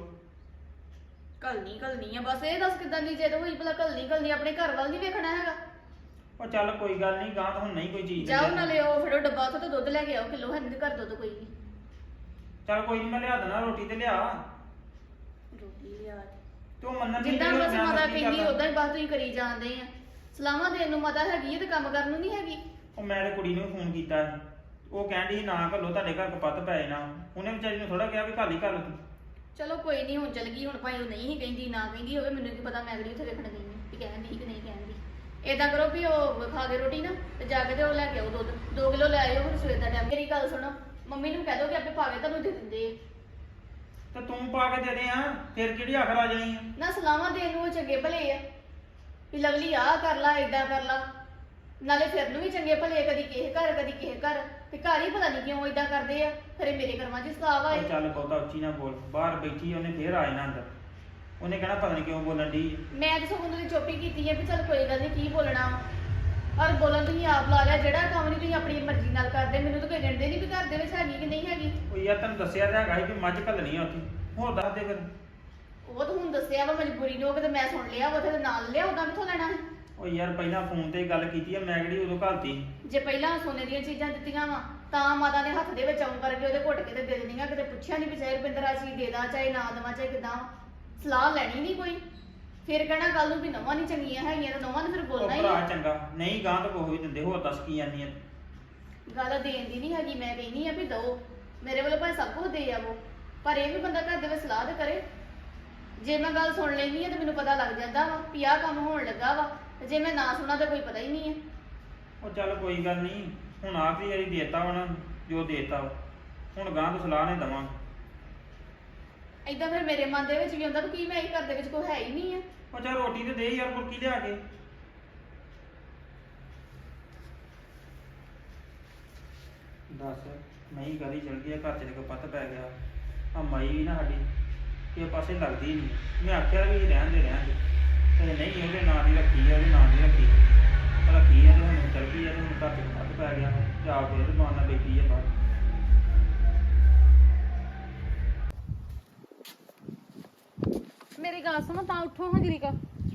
S6: ਘਲਣੀ ਆ ਬਸ। ਇਹ ਦੱਸ ਕਿੱਦਾਂ ਦੀ ਜਿੱਦ ਹੋਈ ਭਲਾ? ਘਲਣੀ ਆਪਣੇ ਘਰ ਵੱਲ ਨਹੀਂ ਵੇਖਣਾ ਹੈਗਾ।
S3: ਉਹ ਚੱਲ ਕੋਈ ਗੱਲ ਨਹੀਂ, ਗਾਂ ਤਾਂ ਹੁਣ ਨਹੀਂ ਕੋਈ ਚੀਜ਼
S6: ਜਾਓ ਨਾਲੇ ਉਹ ਫੜੋ ਡੱਬਾ ਉੱਥੋਂ ਤੇ ਦੁੱਧ ਲੈ ਕੇ ਆਓ ਕਿਲੋ। ਹੈ ਨਹੀਂ ਘਰ ਦੁੱਧ ਕੋਈ ਨਹੀਂ।
S3: ਚੱਲ ਕੋਈ ਨਹੀਂ, ਮੈਂ ਲਿਆ ਦੇਣਾ ਰੋਟੀ ਤੇ ਲਿਆ।
S6: ਰੋਟੀ ਲਿਆ
S3: ਤੂੰ ਮੰਨਣ ਦੀ
S6: ਜਿੱਦਾਂ ਬਸ ਮਾਤਾ ਕਹਿੰਦੀ
S3: ਕਰਦਾ।
S6: ਉਦਾਂ ਹੀ ਬਸ ਤੁਸੀਂ ਕਰੀ ਜਾਂਦੇ ਆ। ਸਲਾਮਾਂ ਦੇਣ ਨੂੰ ਮਾਤਾ ਹੈਗੀ ਹੈ ਤੇ ਕੰਮ ਕਰਨ ਨੂੰ ਨਹੀਂ ਹੈਗੀ।
S3: ਉਹ ਮੈਂ ਤੇ ਕੁੜੀ ਨੂੰ ਫੋਨ ਕੀਤਾ ਸੀ, ਉਹ ਕਹਿੰਦੀ ਨਾ ਘੱਲੋ, ਤੁਹਾਡੇ ਘਰ ਕਪੱਤ ਪੈ ਜਾਣਾ। ਉਹਨੇ ਵਿਚਾਰੀ ਨੂੰ ਥੋੜਾ ਕਿਹਾ ਵੀ ਘੱਲ ਹੀ ਘੱਲ ਤੂੰ।
S6: ਚਲੋ ਕੋਈ ਨਹੀਂ, ਹੁਣ ਚਲ ਗਈ। ਹੁਣ ਭਾਈ ਉਹ ਨਹੀਂ ਕਹਿੰਦੀ, ਨਾ ਕਹਿੰਦੀ ਹੋਵੇ, ਮੈਨੂੰ ਕੀ ਪਤਾ ਮੈਂ ਅਗਲੀ ਉੱਥੇ ਵੇਖਣ ਗਈ ਹਾਂ ਕਿ ਕਹਿੰਦੀ ਕਿ ਨਹੀਂ ਕਹਿੰਦੀ। ਏਦਾਂ ਕਰੋ ਵੀ ਉਹ ਖਾ ਕੇ ਰੋਟੀ ਨਾ ਤੇ ਜਾ ਕੇ ਤੇ ਉਹ ਲੈ ਕੇ ਆਓ ਦੁੱਧ 2 ਕਿਲੋ ਲੈ ਆਇਓ ਹੁਣ ਸਵੇਰ ਦਾ ਟਾਈਮ। ਮੇਰੀ ਗੱਲ ਸੁਣੋ, ਮੰਮੀ ਨੂੰ ਕਹਿ ਦੋ ਕਿ ਆਪੇ ਪਾ ਕੇ ਤੁਹਾਨੂੰ ਦੇ ਦਿੰਦੇ ਆ।
S3: ਤੇ ਤੂੰ ਪਾ ਕੇ ਦੇ ਦੇ ਆ, ਫਿਰ ਕਿਹੜੀ ਆਖਰ ਆ ਜਾਣੀ ਆ?
S6: ਨਾ ਸਲਾਮਾਂ ਦੇਣ ਨੂੰ ਉਹ ਚੰਗੇ ਭਲੇ ਆ ਵੀ ਲਵਲੀ ਆਹ ਕਰ ਲਾ ਏਦਾਂ ਕਰ ਲਾ। ਨਾਲੇ ਫਿਰ ਨੂੰ ਵੀ ਚੰਗੇ ਭਲੇ, ਕਦੀ ਕਿਸੇ ਘਰ ਕਦੀ ਕਿਸੇ ਘਰ। ਤੇ ਘਰ ਹੀ ਪਤਾ ਨਹੀਂ ਕਿਉਂ ਏਦਾਂ ਕਰਦੇ ਆ। ਫਿਰ ਇਹ ਮੇਰੇ ਕਰਮਾਂ 'ਚ ਸਤਾਵ ਆਏ।
S3: ਉਹ ਚੱਲ ਬਹੁਤਾ ਉੱਚੀ ਨਾ ਬੋਲ, ਬਾਹਰ ਬੈਠੀ ਉਹਨੇ ਫੇਰ ਆ ਜਾਣਾ ਅੰਦਰ। ਉਹਨੇ ਕਹਿਣਾ ਪਤਾ ਨਹੀਂ ਕਿਉਂ ਬੋਲਣ ਦੀ।
S6: ਮੈਂ ਤਾਂ ਸਗੋਂ ਦੀ ਚੁੱਪ ਹੀ ਕੀਤੀ ਹੈ ਵੀ ਚੱਲ ਕੋਈ ਗੱਲ ਨਹੀਂ, ਕੀ ਬੋਲਣਾ ਵਾ। ਔਰ ਬੋਲਣ ਤੁਸੀਂ ਆਪ ਲਾ ਲਿਆ, ਜਿਹੜਾ ਕੰਮ ਨਹੀਂ ਤੁਸੀਂ ਆਪਣੀ ਮਰਜ਼ੀ ਨਾਲ ਕਰਦੇ। ਮੈਨੂੰ ਤਾਂ ਕੋਈ ਕਹਿੰਦੇ ਨਹੀਂ ਵੀ ਘਰ ਦੇ ਵਿੱਚ ਹੈਗੀ ਕਿ ਨਹੀਂ ਹੈਗੀ।
S3: ਉਹ ਯਾਰ ਤੈਨੂੰ ਦੱਸਿਆ ਤਾਂ ਹੈਗਾ ਸੀ ਕਿ ਮੱਝ ਘੱਲਣੀ ਆ ਉੱਥੇ, ਹੋਰ ਦੱਸ ਦੇ ਫਿਰ।
S6: ਉਹ ਤਾਂ ਹੁਣ ਦੱਸਿਆ ਵਾ ਮਜਬੂਰੀ ਨੂੰ, ਤੇ ਮੈਂ ਸੁਣ ਲਿਆ ਉੱਥੇ ਤੇ ਨਾਲ ਲਿਆ, ਉਦਾਂ ਕਿੱਥੋਂ ਲੈਣਾ ਸੀ?
S3: ਉਹ ਯਾਰ ਪਹਿਲਾਂ ਫੋਨ ਤੇ ਗੱਲ ਕੀਤੀ ਆ, ਮੈਂ ਕਿਹੜੀ ਉਦੋਂ ਘੱਲਤੀ।
S6: ਜੇ ਪਹਿਲਾਂ ਸੋਨੇ ਦੀਆਂ ਚੀਜ਼ਾਂ ਦਿੱਤੀਆਂ ਵਾ ਤਾਂ ਮਾਤਾ ਨੇ ਹੱਥ ਦੇ ਵਿੱਚ ਆਉਂ ਕਰਕੇ ਉਹਦੇ ਘੁੱਟ ਕੇ ਤੇ ਦੇ ਦੇਣੀਆਂ। ਕਿਤੇ ਪੁੱਛਿਆ ਨਹੀਂ ਵੀ ਚਾਹੇ ਰੁਪਿੰਦਰ ਆ ਚੀਜ਼ ਦੇ ਦਾਂ ਚਾਹੇ ਨਾ ਦੇਵਾਂ ਚਾਹੇ ਕਿਦਾਂ। ਸਲਾਹ ਲੈਣੀ ਨਹੀਂ ਕੋਈ। ਫਿਰ ਕਹਿਣਾ ਕੱਲ ਨੂੰ ਵੀ ਨਵਾਂ ਨਹੀਂ ਚੰਗੀਆਂ ਹੈਗੀਆਂ ਤੇ ਨਵਾਂ ਨੇ ਫਿਰ
S3: ਉਹ
S6: ਬੋਲਣਾ ਹੀ
S3: ਭਰਾ
S6: ਆ।
S3: ਚੰਗਾ ਨਹੀਂ, ਗਾਂ ਤਾਂ ਕੋਈ ਵੀ ਦਿੰਦੇ, ਹੋਰ ਦੱਸ ਕੀ ਜਾਂਦੀ ਆ?
S6: ਗੱਲ ਦੇਣ ਦੀ ਨਹੀਂ ਹੈਗੀ, ਮੈਂ ਕਹਿੰਦੀ ਆ ਵੀ ਦੋ ਮੇਰੇ ਵੱਲੋਂ ਭਾਵੇਂ ਸਭ ਕੁਝ ਦੇ ਆਵੋ, ਪਰ ਇਹ ਵੀ ਬੰਦਾ ਘਰ ਦੇ ਵਿੱਚ ਸਲਾਹ ਤੇ ਕਰੇ। ਜੇ ਮੈਂ ਗੱਲ ਸੁਣ ਲੈਂਦੀ ਆ ਤੇ ਮੈਨੂੰ ਪਤਾ ਲੱਗ ਜਾਂਦਾ ਵਾ ਵੀ ਆਹ ਕੰਮ ਹੋਣ ਲੱਗਾ ਵਾ, ਤੇ ਜੇ ਮੈਂ ਨਾ ਸੁਣਾ ਤਾਂ ਕੋਈ ਪਤਾ ਹੀ ਨਹੀਂ ਹੈ।
S3: ਉਹ ਚੱਲ ਕੋਈ ਗੱਲ ਨਹੀਂ, ਹੁਣ ਆਖਰੀ ਵਾਰੀ ਦੇਤਾ ਉਹਨਾਂ ਜੋ ਦੇਤਾ, ਹੁਣ ਗਾਂ ਤੋਂ ਸਲਾਹ ਨੇ ਦਵਾਂ।
S6: ਏਦਾਂ ਫਿਰ ਮੇਰੇ ਮਨ ਦੇ ਵਿੱਚ ਵੀ ਆਉਂਦਾ ਵੀ ਕੀ ਮੈਂ ਇਹ ਘਰ ਦੇ ਵਿੱਚ ਕੋਈ ਹੈ ਹੀ ਨਹੀਂ ਹੈ।
S3: ਉਹ ਚੱਲ ਰੋਟੀ ਤੇ ਦੇ ਯਾਰ, ਕੁਰਕੀ ਲਿਆ ਕੇ। ਦੱਸ ਮੈਂ ਹੀ ਗਲੀ ਚਲ ਗਈ, ਘਰ ਚ ਕਪੱਤ ਪੈ ਗਿਆ। ਆ ਮਾਈ ਵੀ ਨਾ ਸਾਡੀ ਇਹ ਪਾਸੇ ਲੱਗਦੀ ਨਹੀਂ। ਮੈਂ ਆਖਿਆ ਵੀ ਰਹਿਣ ਦੇ ਤੇ ਨਹੀਂ, ਉਹਦੇ ਨਾਂ ਦੀ ਰੱਖੀ ਆ, ਉਹਦੇ ਨਾਂ ਦੀ ਰੱਖੀ ਆ ਤੇ ਹੁਣ ਚਲ ਗਈ ਆ ਤੇ ਹੁਣ ਘਰ ਚ ਕਪੱਤ ਪੈ ਗਿਆ। ਜਾ ਕੇ ਉਹਦੇ ਦੁਕਾਨ ਨਾਲ ਬੈਠੀ ਆ ਬਾਹਰ।
S1: ਮੇਰੀ ਗੱਲ ਸੁਣੋ, ਤਾਂ ਉੱਠੋ ਹਾਂ ਜਰੀਕਾ।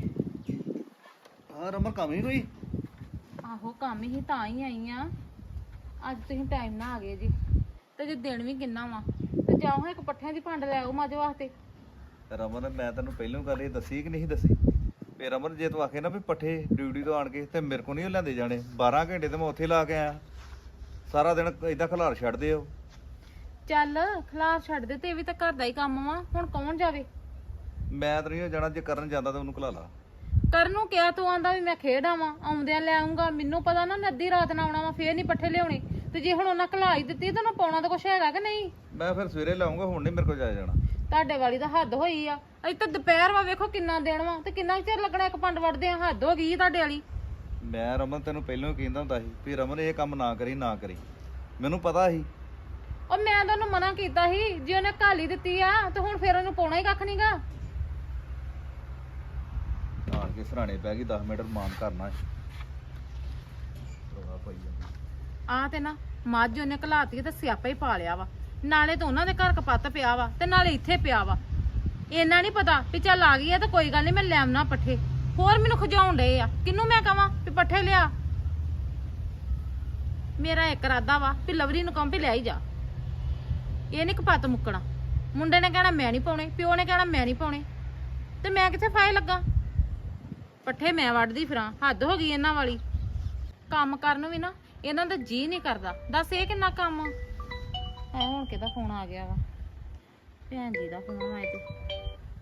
S5: ਹਾਂ ਰਮਨ, ਕੰਮ ਹੀ ਕੋਈ?
S1: ਆਹੋ ਕੰਮ ਹੀ ਤਾਂ ਹੀ ਆਈ ਆ। ਅੱਜ ਤੁਸੀਂ ਟਾਈਮ ਨਾਲ ਆ ਗਏ ਜੀ, ਤੇ ਜੇ ਦਿਨ ਵੀ ਕਿੰਨਾ ਵਾ ਤੇ ਜਾਓ ਇੱਕ ਪੱਠਿਆਂ ਦੀ ਭੰਡ ਲੈ ਆਓ ਮੱਝ ਵਾਸਤੇ।
S5: ਰਮਨ, ਮੈਂ ਤੈਨੂੰ ਪਹਿਲਾਂ ਗੱਲ ਇਹ ਦੱਸੀ ਕਿ ਨਹੀਂ ਦੱਸੀ? ਵੀ ਰਮਨ, ਜੇ ਤੂੰ ਆਖੇ ਨਾ ਵੀ ਪੱਠੇ ਡਿਊਟੀ ਤੋਂ ਆਣ ਕੇ ਤੇ ਮੇਰੇ ਕੋਲ ਨਹੀਂ ਲਿਆਂਦੇ ਜਾਣੇ। 12 ਘੰਟੇ ਤੇ ਮੈਂ ਉੱਥੇ ਲਾ ਕੇ ਆਇਆ, ਸਾਰਾ ਦਿਨ ਏਦਾਂ ਖਲਾਰ ਛੱਡਦੇ ਹੋ।
S1: ਚੱਲ ਖਲਾਰ ਛੱਡ ਦੇ, ਤੇ ਇਹ ਵੀ ਤਾਂ ਘਰ ਦਾ ਹੀ ਕੰਮ ਵਾ, ਹੁਣ ਕੌਣ ਜਾਵੇ?
S5: ਮੈਂ ਤਾਂ ਨਹੀਂ ਜਾਣਾ, ਜੇ ਕਰਨ ਜਾਂਦਾ ਤਾਂ ਉਹਨੂੰ ਖਲਾ ਲਾ।
S1: ਕਰਨ ਨੂੰ ਕਿਹਾ, ਤੂੰ ਆਂਦਾ ਵੀ ਮੈਂ ਖੇਡ ਆਵਾਂ, ਆਉਂਦਿਆਂ ਲੈ ਆਉਂਗਾ। ਮੈਨੂੰ ਪਤਾ ਨਾ ਅੱਧੀ ਰਾਤ ਨਾ ਆਉਣਾ ਵਾ, ਫੇਰ ਨਹੀਂ ਪੱਠੇ ਲਿਆਉਣੇ। ਤੇ ਜੇ ਹੁਣ ਉਹਨਾਂ ਘਲਾ ਹੀ ਦਿੱਤੀ ਤਾਂ ਉਹਨਾਂ ਪਾਉਣਾ ਤਾਂ ਕੁਛ ਹੈਗਾ ਕਿ ਨਹੀਂ?
S5: ਮੈਂ ਫਿਰ ਸਵੇਰੇ ਲਾਉਂਗਾ, ਹੁਣ ਨਹੀਂ ਮੇਰੇ ਕੋਲ ਜਾਇਆ ਜਾਣਾ।
S1: ਤੁਹਾਡੇ ਵਾਲੀ ਤਾਂ ਹੱਦ ਹੋਈ ਆ। ਅਜੇ ਤਾਂ ਦੁਪਹਿਰ ਵਾ, ਵੇਖੋ ਕਿੰਨਾ ਦਿਨ ਵਾ, ਤੇ ਕਿੰਨਾ ਚਿਰ ਲੱਗਣਾ ਇੱਕ ਪੰਡ ਵੜਦੇ ਆ। ਹੱਦ ਹੋ ਗਈ ਤੁਹਾਡੇ ਵਾਲੀ।
S5: ਮੈਂ ਰਮਨ ਤੈਨੂੰ ਪਹਿਲਾਂ ਹੀ ਕਹਿੰਦਾ ਹੁੰਦਾ ਸੀ ਵੀ ਰਮਨ ਇਹ ਕੰਮ ਨਾ ਕਰੀ, ਨਾ ਕਰੀ। ਮੈਨੂੰ ਪਤਾ ਸੀ।
S1: ਉਹ ਮੈਂ ਤਾਂ ਉਹਨੂੰ ਮਨਾ ਕੀਤਾ ਸੀ, ਜੇ ਉਹਨੇ ਘਾਲੀ ਦਿੱਤੀ ਆ ਤੇ ਹੁਣ ਫੇਰ ਉਹਨੂੰ ਪਾਉਣਾ ਹੀ ਕੱਖ ਨਹੀਂਗਾ।
S5: ਆਣ ਕੇ ਸਰਾਣੇ ਪੈ ਗਈ, 10 ਮਿੰਟ ਮਾਨ ਕਰਨਾ ਹੈ। ਰੋਣਾ ਪਈ ਜਾਂਦਾ।
S1: ਆ ਤੇ ਨਾ ਮੱਝ ਉਹਨੇ ਘਲਾਤੀ ਤੇ ਸਿਆਪਾ ਹੀ ਪਾ ਲਿਆ ਵਾ। ਨਾਲੇ ਤਾਂ ਉਹਨਾਂ ਦੇ ਘਰ ਕਪੱਤ ਪਿਆ ਵਾ ਤੇ ਨਾਲੇ ਇੱਥੇ ਪਿਆ ਵਾ। ਇੰਨਾ ਨਹੀਂ ਪਤਾ ਵੀ ਚੱਲ ਆ ਗਈ ਆ ਤਾਂ ਕੋਈ ਗੱਲ ਨਹੀਂ, ਮੈਂ ਲੈ ਆਉਣਾ ਪੱਠੇ। ਹੋਰ ਮੈਨੂੰ ਖਜਾਉਣ ਡਏ ਆ। ਕਿਹਨੂੰ ਮੈਂ ਕਵਾਂ ਵੀ ਪੱਠੇ ਲਿਆ? ਮੇਰਾ ਇੱਕ ਇਰਾਦਾ ਵਾ ਵੀ ਲਵਲੀ ਨੂੰ ਕਹਾਂ ਵੀ ਲੈ ਹੀ ਜਾ। ਇਹ ਨੀ ਕਪੱਤ ਮੁੱਕਣਾ। ਮੁੰਡੇ ਨੇ ਕਹਿਣਾ ਮੈਂ ਨਹੀਂ ਪਾਉਣੇ, ਪਿਓ ਨੇ ਕਹਿਣਾ ਮੈਂ ਨਹੀਂ ਪਾਉਣੇ, ਤੇ ਮੈਂ ਕਿੱਥੇ ਫਾਇ ਲੱਗਾ? ਪੱਠੇ ਮੈਂ ਵੱਢਦੀ ਫਿਰਾਂ, ਹੱਦ ਹੋ ਗਈ ਇਹਨਾਂ ਵਾਲੀ। ਕੰਮ ਕਰਨ ਨੂੰ ਵੀ ਨਾ ਇਹਨਾਂ ਦਾ ਜੀ ਨਹੀਂ ਕਰਦਾ। ਦੱਸ ਇਹ ਕਿੰਨਾ ਕੰਮ ਐ। ਹੁਣ ਕਿਹਦਾ ਫੋਨ ਆ ਗਿਆ ਵਾ? ਭੈਣ ਜੀ ਦਾ ਫੋਨ ਆਇਆ ਤੇ।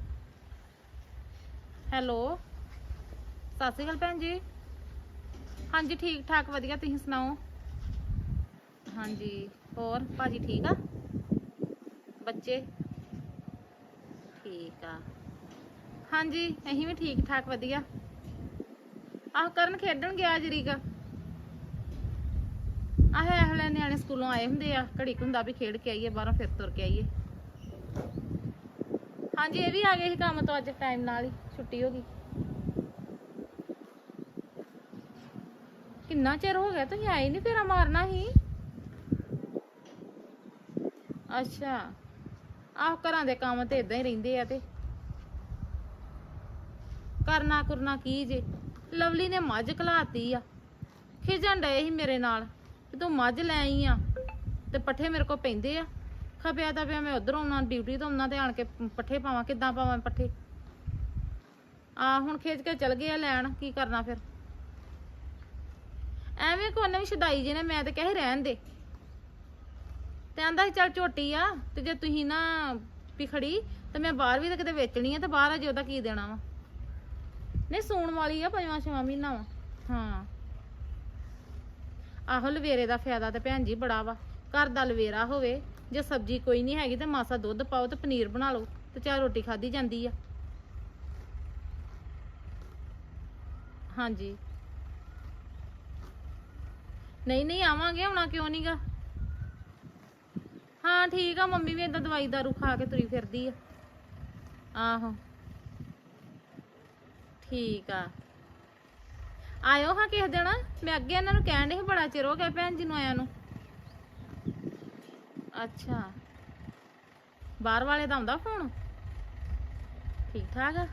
S1: ਹੈਲੋ, ਸਤਿ ਸ਼੍ਰੀ ਅਕਾਲ ਭੈਣ ਜੀ। ਹਾਂਜੀ ਠੀਕ ਠਾਕ ਵਧੀਆ, ਤੁਸੀਂ ਸੁਣਾਓ? ਹਾਂਜੀ ਹੋਰ ਭਾਜੀ ਠੀਕ ਆ? ਬੱਚੇ ਠੀਕ ਆ? ਹਾਂਜੀ ਅਸੀਂ ਵੀ ਠੀਕ ਠਾਕ ਵਧੀਆ। ਆਹ ਕਰਨ ਖੇਡਣ ਗਿਆ ਜਰੀਕ। ਆਹ ਇਹ ਵੇਲੇ ਨਿਆਣੇ ਸਕੂਲੋਂ ਆਏ ਹੁੰਦੇ ਆ, ਘੜੀ ਕੁ ਹੁੰਦਾ ਵੀ ਖੇਡ ਕੇ ਆਈਏ ਬਾਹਰੋਂ, ਫਿਰ ਤੁਰ ਕੇ ਆਈਏ। ਹਾਂਜੀ ਇਹ ਵੀ ਆ ਗਏ ਸੀ ਕੰਮ ਤੋਂ ਅੱਜ ਟਾਈਮ ਨਾਲ ਹੀ, ਛੁੱਟੀ ਹੋ ਗਈ। ਕਿੰਨਾ ਚਿਰ ਹੋ ਗਿਆ ਤੁਸੀਂ ਆਏ ਨਹੀਂ, ਫੇਰਾ ਮਾਰਨਾ ਸੀ। ਅੱਛਾ ਆਹ ਘਰਾਂ ਦੇ ਕੰਮ ਤੇ ਇਦਾਂ ਹੀ ਰਹਿੰਦੇ ਆ। ਤੇ ਕਰਨਾ ਕੁਰਨਾ ਕੀ ਜੇ? ਲਵਲੀ ਨੇ ਮੱਝ ਘਲਾਤੀ ਆ, ਖਿਜਣ ਡਏ ਸੀ ਮੇਰੇ ਨਾਲ ਕਿ ਤੂੰ ਮੱਝ ਲੈ ਆਈ ਆ ਤੇ ਪੱਠੇ ਮੇਰੇ ਕੋਲ ਪੈਂਦੇ ਆ। ਖਪਿਆ ਤਾਂ ਪਿਆ ਮੈਂ ਉਧਰੋਂ ਆਉਣਾ, ਡਿਊਟੀ ਤੋਂ ਆਉਣਾ ਤੇ ਆਣ ਕੇ ਪੱਠੇ ਪਾਵਾਂ। ਕਿੱਦਾਂ ਪਾਵਾਂ ਪੱਠੇ? ਆ ਹੁਣ ਖਿੱਚ ਕੇ ਚਲ ਗਏ ਆ ਲੈਣ, ਕੀ ਕਰਨਾ ਫਿਰ? ਐਵੇਂ ਕੋਈ ਨਾ ਵੀ ਛਦਾਈ ਜੇ ਨੇ, ਮੈਂ ਤੇ ਕਹੇ ਰਹਿਣ ਦੇ। ਤੇ ਆਂਦਾ ਸੀ ਚੱਲ ਝੋਟੀ ਆ, ਤੇ ਜੇ ਤੁਸੀਂ ਨਾ ਵੀ ਖੜੀ ਤੇ ਮੈਂ ਬਾਹਰ ਵੀ ਤਾਂ ਕਿਤੇ ਵੇਚਣੀ ਆ, ਤੇ ਬਾਹਰ ਅਜੇ ਉਹਦਾ ਕੀ ਦੇਣਾ ਵਾ? ਨਹੀਂ ਸੂਣ ਵਾਲੀ ਆ, 5ਵਾਂ ਮਹੀਨਾ ਵਾ। ਹਾਂ ਆਹੋ ਲਵੇਰੇ ਦਾ ਫਾਇਦਾ ਤੇ ਭੈਣ ਜੀ ਬੜਾ ਵਾ। ਘਰ ਦਾ ਲਵੇਰਾ ਹੋਵੇ, ਜੇ ਸਬਜ਼ੀ ਕੋਈ ਨਹੀਂ ਹੈਗੀ ਤੇ ਮਾਸਾ ਦੁੱਧ ਪਾਓ ਤੇ ਪਨੀਰ ਬਣਾ ਲਓ ਤੇ ਚਾਹ ਰੋਟੀ ਖਾਧੀ ਜਾਂਦੀ ਆ। ਹਾਂਜੀ ਨਹੀਂ ਆਵਾਂਗੇ, ਆਉਣਾ ਕਿਉਂ ਨਹੀਂਗਾ? ਹਾਂ ਠੀਕ ਆ, ਮੰਮੀ ਵੀ ਏਦਾਂ ਦਵਾਈ ਦਾਰੂ ਖਾ ਕੇ ਤੁਰੀ ਫਿਰਦੀ ਆ। ਆਹੋ ਠੀਕ ਆ, ਆਇਓ ਹਾਂ ਕਿਸੇ ਦਿਨ। ਮੈਂ ਅੱਗੇ ਇਹਨਾਂ ਨੂੰ ਕਹਿਣ ਡਈ ਸੀ ਬੜਾ ਚਿਰ ਹੋ ਗਿਆ ਭੈਣ ਜੀ ਨੂੰ ਆਇਆ ਨੂੰ। ਅੱਛਾ ਬਾਹਰ ਵਾਲੇ ਦਾ ਆਉਂਦਾ ਫੋਨ? ਠੀਕ ਠਾਕ ਆ?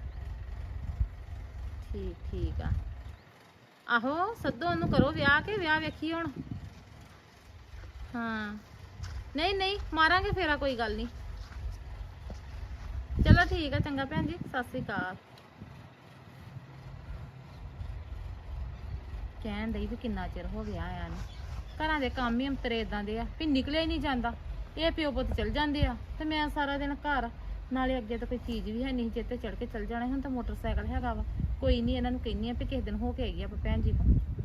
S1: ਠੀਕ ਆ। ਆਹੋ ਸੱਦੋ ਉਹਨੂੰ, ਕਰੋ ਵਿਆਹ ਕੇ ਵਿਆਹ ਵੇਖੀ ਹੁਣ। ਹਾਂ ਨਹੀਂ ਮਾਰਾਂਗੇ ਫੇਰਾ, ਕੋਈ ਗੱਲ ਨਹੀਂ। ਚਲੋ ਠੀਕ ਆ, ਚੰਗਾ ਭੈਣ ਜੀ, ਸਤਿ ਸ੍ਰੀ ਅਕਾਲ। ਕਹਿਣ ਡਈ ਵੀ ਕਿੰਨਾ ਚਿਰ ਹੋ ਗਿਆ ਆਇਆ ਨੂੰ। ਘਰਾਂ ਦੇ ਕੰਮ ਹੀ ਅੰਤਰੇ ਇਦਾਂ ਦੇ ਆ ਵੀ ਨਿਕਲਿਆ ਹੀ ਨਹੀਂ ਜਾਂਦਾ। ਇਹ ਪਿਓ ਪੁੱਤ ਚਲ ਜਾਂਦੇ ਆ ਤੇ ਮੈਂ ਸਾਰਾ ਦਿਨ ਘਰ। ਨਾਲੇ ਅੱਗੇ ਤਾਂ ਕੋਈ ਚੀਜ਼ ਵੀ ਹੈ ਨਹੀਂ, ਜਿੱਤੇ ਚੜ ਕੇ ਚਲ ਜਾਣਾ। ਹੁਣ ਤਾਂ ਮੋਟਰਸਾਈਕਲ ਹੈਗਾ ਵਾ। ਕੋਈ ਨਹੀਂ ਇਹਨਾਂ ਨੂੰ ਕਹਿੰਨੀ ਆ ਵੀ ਕਿਸੇ ਦਿਨ ਹੋ ਕੇ ਆਈਏ ਆਪਾਂ ਭੈਣ ਜੀ ਕੋਲ।